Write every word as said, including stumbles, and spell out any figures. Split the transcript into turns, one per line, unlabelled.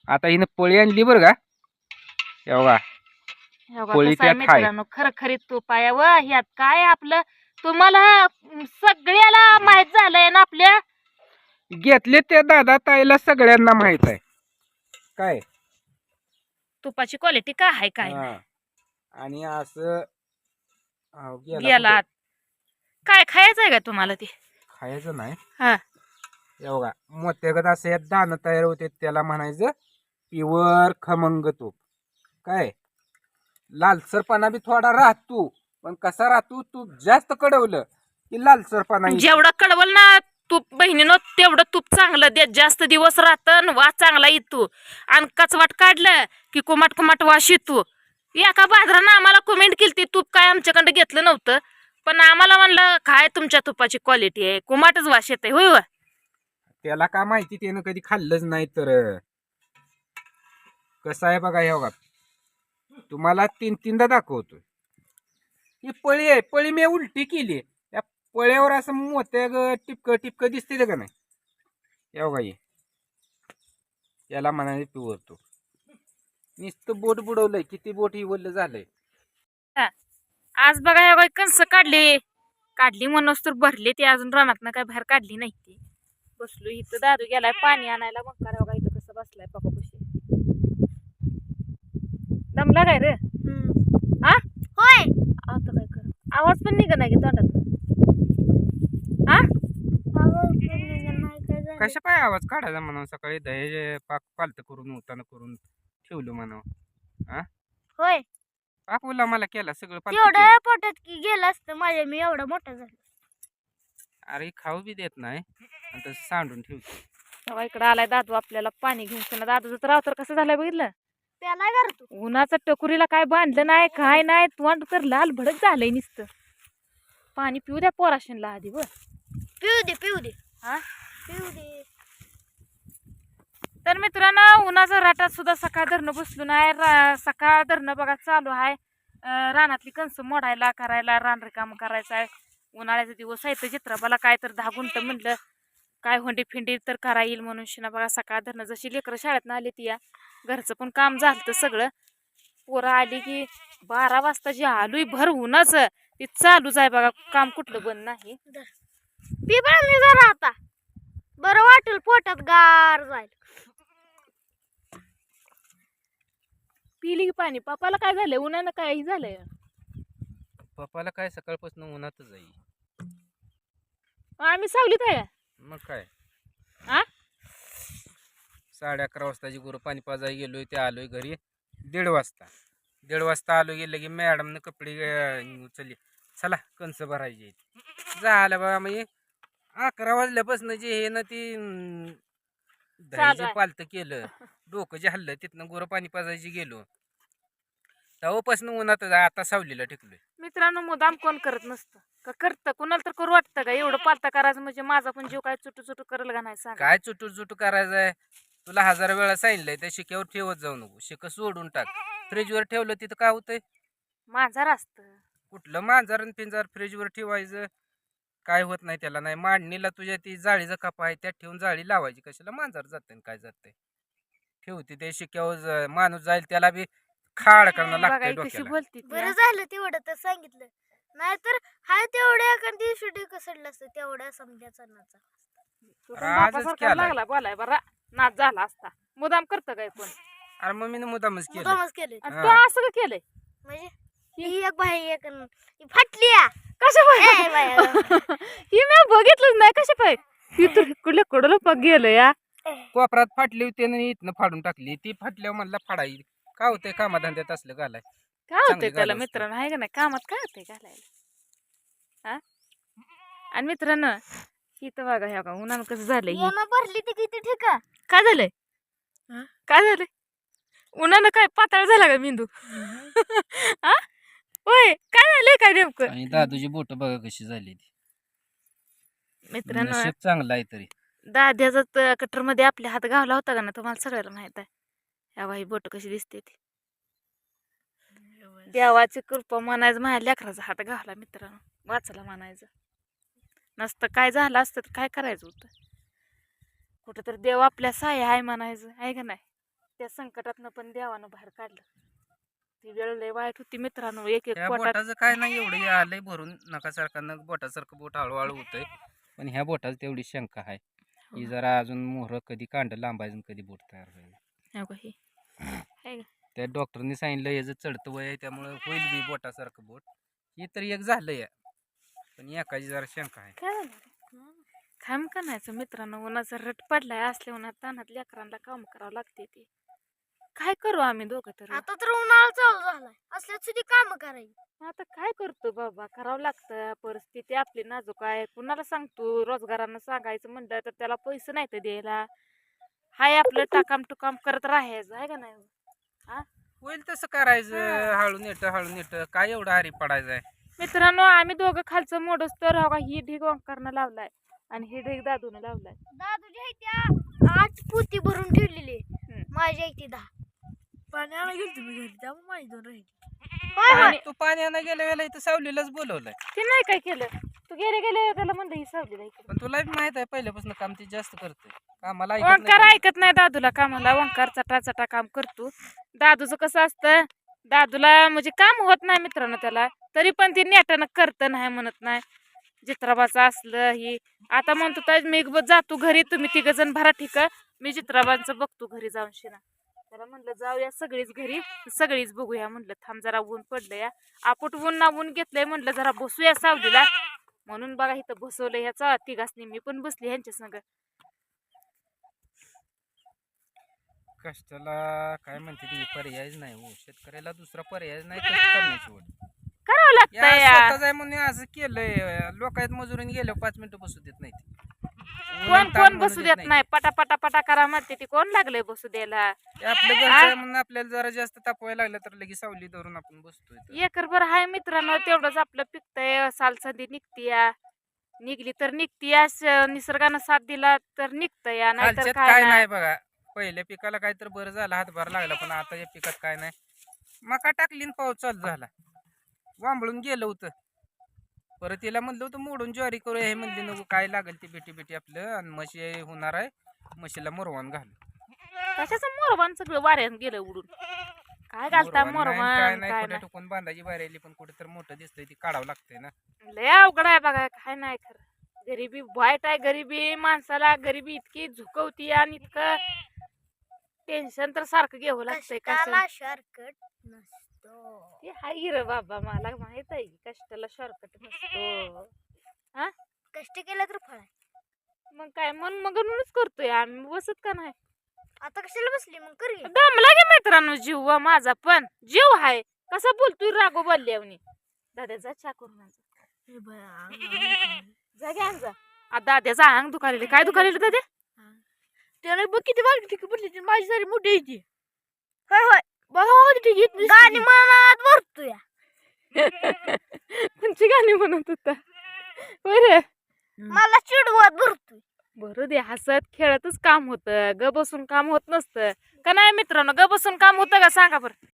आता हिनं पोळी आणली बरं का. एवढा पोळी त्यात हाय.
मित्रांनो खरखरीत तूप आहे व ह्यात काय आपलं तुम्हाला सगळ्याला माहित झालंय ना आपल्या
घेतले त्या दादा ताईला सगळ्यांना माहित आहे काय
तुपाची क्वालिटी काय आहे काय
हा.
नाही.
आणि असं हा, गेला
गेला
कुठं?
काय खायचं आहे का तुम्हाला ते
खायचं नाही.
हा
एवढा मोत्यागत असं यात दाणं तयार होते त्याला म्हणायचं प्युअर खमंग तूप. काय लालसरपणा बी थोडा राहतो पण कसा राहतो तूप जास्त कडवलं की लालसरपणा येतो.
जेवढा कडवल ना तूप बहिणीनं तेवढं तूप चांगलं दे जास्त दिवस राहतं वास चांगला येतो आणि कचवाट काढलं की कुमाट कुमाट वास येतो. एका बाजारानं आम्हाला कमेंट केली ती तूप काय आमच्याकडे घेतलं नव्हतं पण आम्हाला म्हणलं काय तुमच्या तुपाची क्वालिटी आहे कुमाटच वास येते होय व
त्याला काय माहिती त्यानं कधी खाल्लंच नाही तर कसं आहे बघा. हे बघा तुम्हाला तीन तीनदा दाखवतो. ही पळी आहे पळी मी उलटी केली त्या पळ्यावर असं मोत्या टिपक टिपक दिसते का नाही. हे बघा हे याला म्हणाले पिवरतो. नुसतं बोट बुडवलंय किती बोट हिवलं झालंय.
आज बघा हे कंस काढली काढली म्हणूनच तर भरले ती अजून रानात काय बाहेर काढली नाही ती बसलो इथं दादू गेलाय पाणी आणायला मग करा बघा इथं कसं बसलाय पप्पापाशी दमला काय रे हा होय आता काय कर आवाज पण निघा नाही तोंडात हा
कशा पाय आवाज काढायचा म्हणून सकाळी दही पाक पालत करून उताना करून ठेवलं म्हणून हा
होय
पाक बोला मला केला सगळं पालतं
एवढं
केलं.
पोटात की गेलं असतं माझ्या मी एवढा मोठा झालो.
अरे खाऊ बी देत नाही आणि तसं सांडून ठेवतो.
तेव्हा इकडं आलाय दादू आपल्याला पाणी घेऊन पुन्हा दादूचं तर राव तर कसं झालंय बघितलं त्याला करतो उन्हाचं टकुरीला काय बांधलं नाही काय नाही तोंड तर लाल भडक झालंय नुसतं. पाणी पिऊ द्या पोराशनला आधी बर पिऊ दे पिऊ दे हा पिऊ दे. तर मित्रांनो उन्हाचं राटात सुद्धा सकाळ धरणं बसलो नाही रा सकाळ धरणं बघा चालू आहे. रानातली कणसं मोडायला करायला रान रिकाम करायचं आहे. उन्हाळ्याचा दिवस आहे तर चित्राबाला काय तर दहा गुंट म्हणलं काय होंडी फिंडी तर करा येईल म्हणून शिना बघा सकाळ धरणं जशी लेकरं शाळेत आली ती या घरचं पण काम झालं सगळं पोरं आली की बारा वाजता जी आलोय भर उन्हाचं ती चालूच आहे बघा काम कुठलं बंद नाही. पी पाणी जरा आता बरं वाटेल पोटात गार जाईल. पिली की पाणी पप्पाला काय झालंय उन्हानं काय झालंय
पप्पाला काय सकाळपासून उन्हातच जाईल.
आम्ही सावलीत आहे
मग काय
आ
साडे अकरा वाजताची गुरु पाणी पाजायला गेलोय ते आलोय घरी दीड वाजता दीड वाजता आलो गेलं की मॅडमनं कपडे उचलली चला कंस भरायची झालं बघा म्हणजे अकरा वाजल्यापासून जे हे ना ती दहीचे पालतं केलं डोकं जे हल्लं तिथनं गुरु पाणी पाजायची गेलो तेव्हापासून उन्हात आता सावलीला टिकलोय. मित्रांनो
मुदाम कोण करत नसतं का करतं कोणाला तर करू वाटतं का एवढं पालता करायचं म्हणजे माझा पण जीव काय चुटू चुटू करेल का नाही सांग.
काय चुटू चुटू करायचंय तुला हजार वेळा सांगितलंय त्या शिक्यावर ठेवत जाऊ नको शिक सोडून टाक. फ्रीजवर ठेवलं तिथं काय होतंय
मांजर असतं
कुठलं मांजर आणि पिंजर फ्रीजवर ठेवायचं काय होत नाही त्याला नाही मांडणीला तुझ्या ती जाळीचा कपा आहे त्यात ठेवून जाळी लावायची कशाला मांजर जाते काय जाते ठेवते ते शिक्यावर माणूस जाईल त्याला बी खाड करणं लागतंय डोक्याला.
बरं झालं तेवढं तर सांगितलं नाहीतर हाय तेवढ्या एखाद दिवशी कसडलं असतं तेवढ्या समजायचा नाचा लागला बोलाय बरा नाच झाला असता मुदाम करतं काय पण.
अरे मग मी मुदामच केलं
मुदामच केलं तू असं का केलंय म्हणजे ही एक बाई एक फाटली कशा पाय ही मी बघितलंच नाही कशा पाय ती तर कुठल्या कडलं पग गेलं या
कोपरात फाटली होती आणि इथनं फाडून टाकली ती फाटल्यावर म्हणला फाडाई काय होतंय कामाधंद्यात असलं घालाय
काय होतंय त्याला मित्रांनो आहे का नाही कामात काय होतंय घालायला हा. आणि मित्रांनो इथं बघा ह्या का उन्हानं कसं झालंय भरली ती किती ठीक काय झालंय काय झालंय उन्हानं काय पातळ झाला का मेंदू हा होय काय झालंय काय नेमकं
आणि दादूची बोट बघा कशी झाली ती
मित्रांनो
चांगला आहे तरी
दाद्याचा कटर मध्ये आपल्या हात घावला होता का ना तुम्हाला सगळ्याला माहित आहे. या बाई बोट कशी दिसते ती देवाची कृपा म्हणायचं माझ्या लेकराचा हात घावला मित्रांनो वाचला म्हणायचं नसतं काय झालं असतं तर काय करायचं होतं कुठं तर देव आपल्या साय आहे म्हणायचं आहे का नाही. त्या संकटातनं पण देवानं बाहेर काढलं. ती वेळ लय वाईट होती मित्रांनो. एक एक
ह्या
पोटात
बोटाचं काय नाही एवढं हे आलंय भरून नकासारखं नक बोटासारखं बोट हळूहळू होतंय. पण ह्या बोटाची तेवढी शंका आहे की जरा अजून मोहर कधी कांड लांबायचं आणि कधी बोट तयार होईल.
हो का हे? आहे का?
त्या डॉक्टरनी सांगितलं याचं चढतं वय आहे त्यामुळे होईल बी बोटासारखं बोट. हे तर एक झालंय पण एकाची जरा शंका आहे.
काय झालं रे? काम करायचं मित्रांनो. उन्हाचा रट पडलाय. असल्या उन्हात तानात लेकरांना काम करावं लागते ते. काय करू आम्ही दोघं तर?
आता तर उन्हाळा चालू झालाय असल्याच सुद्धा काम करायची.
आता काय करतो बाबा, करावं लागतं. परिस्थिती आपली नाजूक आहे. कुणाला सांगतो? रोजगारानं सांगायचं म्हणलं तर त्याला पैसे नाही तर द्यायला. हाय आपलं टाकाम टुकाम करत राहायचं आहे का नाही? हा
होईल तसं करायचं हळू नेट हळू नेट काय एवढं हारी पडायचं आहे.
मित्रांनो, आम्ही दोघं खालचं मोडस तर हो का, ही ढीग ओंकारनं लावलाय आणि ही ढीग दादून लावलाय.
दादूच्या इथे आठ पोती भरून ठेवलेली
हम्म.
माझ्या इथे दहा पाण्याला गेली तुम्ही घरी त्यामुळे माझी दोन राहिली.
आणि
तू पाण्यानं गेल्या वेळेला इथं सावलीलाच बोलवलंय.
ते नाही काय केलं. तू गेले गेले त्याला म्हणलं ही सावली नाही.
पण तुला बी माहित आहे पहिल्यापासून काम ते जास्त करतोय कामाला ऐकत
ओंकार
नाही.
ऐकत नाही दादूला कामाला. ओंकार चटा चटा काम करतो. दादूचं कसं असतं, दादूला म्हणजे काम होत नाही मित्रांनो त्याला, तरी पण ते नेटानं करतं नाही म्हणत नाही. चित्राबाचं असलं ही आता म्हणतो तर मी ब- जातो घरी, तुम्ही तिघ जण भरा ठीक, मी चित्राबांचं बघतो घरी जाऊन शिना. त्याला म्हणलं जाऊया सगळीच घरी, सगळीच बघूया म्हणलं. थांब जरा ऊन पडलं या, आपट ऊन ना ऊन घेतलंय म्हणलं जरा बसूया सावलीला. म्हणून बघा इथं बसवलं ह्याचा तिघासनी. मी पण बसली ह्यांच्या संग.
कष्टाला काय म्हणते ती पर्यायच नाही हो. शेतकऱ्याला दुसरा पर्याय नाही कष्ट करण्याची ओढ.
करावं लागतं
या
या.
स्वतःच आहे म्हणून असं केलंय. लोकांत मजुरीने गेल्यावर पाच मिनिटं बसू देत नाही ती.
कोण कोण बसू देत नाही. पटा पटा पटा करा म्हणते ती. कोण लागलंय बसू द्यायला?
ते आपलं घरचं आहे म्हणून आपल्याला जरा जास्त तापवायला लागलं तर लगेच सावली धरून आपण बसतोय इथं.
एकर भर हाय मित्रांनो, तेवढंच आपलं पिकतंय. सालसंदी निघतीया, निघली तर निघतीया. स- निसर्गानं साथ दिला तर निघतंय, नाहीतर
खालच्यात
काय
काय
नाही.
नाही बघा. पहिल्या पिकाला काय तर बरं झालं हातभार लागला पण आता या पिकात काय नाही. मका टाकली न पाऊस चालू झाला. वांबळून गेलं होतं. परत तिला म्हणलं होतं मोडून ज्वारी करू हे म्हणली नको काय लागेल ती बेटी बेटी आपलं आणि म्हशी होणार आहे म्हशीला मोरवान घालू.
कशाचं मोरवान सगळं वाऱ्यानं गेलं उडून. काय घालता
मोरवान नाही, काय
मोरवान
नाही
काय
कुठे
नाही.
टुकून बांधायची बाहेर पण कुठे तर मोठं दिसतंय ती काढावं लागतंय ना.
लय अवघड आहे बघा. काय नाही खरं. गरिबी वाईट आहे. गरिबी माणसाला गरिबी इतकी झुकवती आणि इतकं टेन्शन तर सारखं घ्यावं लागतंय.
कष्टाला
कशाला
शॉर्टकट नसतो.
ते हाय रे बाबा, मला माहित आहे की कष्टाला शॉर्टकट नसतो.
कष्ट केलं तर फळ आहे.
मग काय मन मगनच करतोय आम्ही, बसत का नाही.
आता कशाला बसली मग कर घे.
दमला गे मित्रांनो जीव व माझा पण जीव हाय. कसा बोलतोय रागो बोलल्यावनी. दादा जा चा करून आण जा.
हे बया, अंग- अंग-
जा घे आण जा. आ, दाद्याचा अंग दुखालेलं. काय दुखालेलं दाद्या?
त्याने बघ किती बारकी ठिकी पडली माझी सारी मोठी येते. होय होय बघा ठिकी गाणी मनात भरतोय.
कोणची गाणी म्हणत होता बरं?
मला चिडवत भरतोय.
बरं दे, हसत खेळतच काम होतं. ग बसून काम होत नसतं का नाही मित्रांनो? ग बसून काम होतं का सांगा बरं?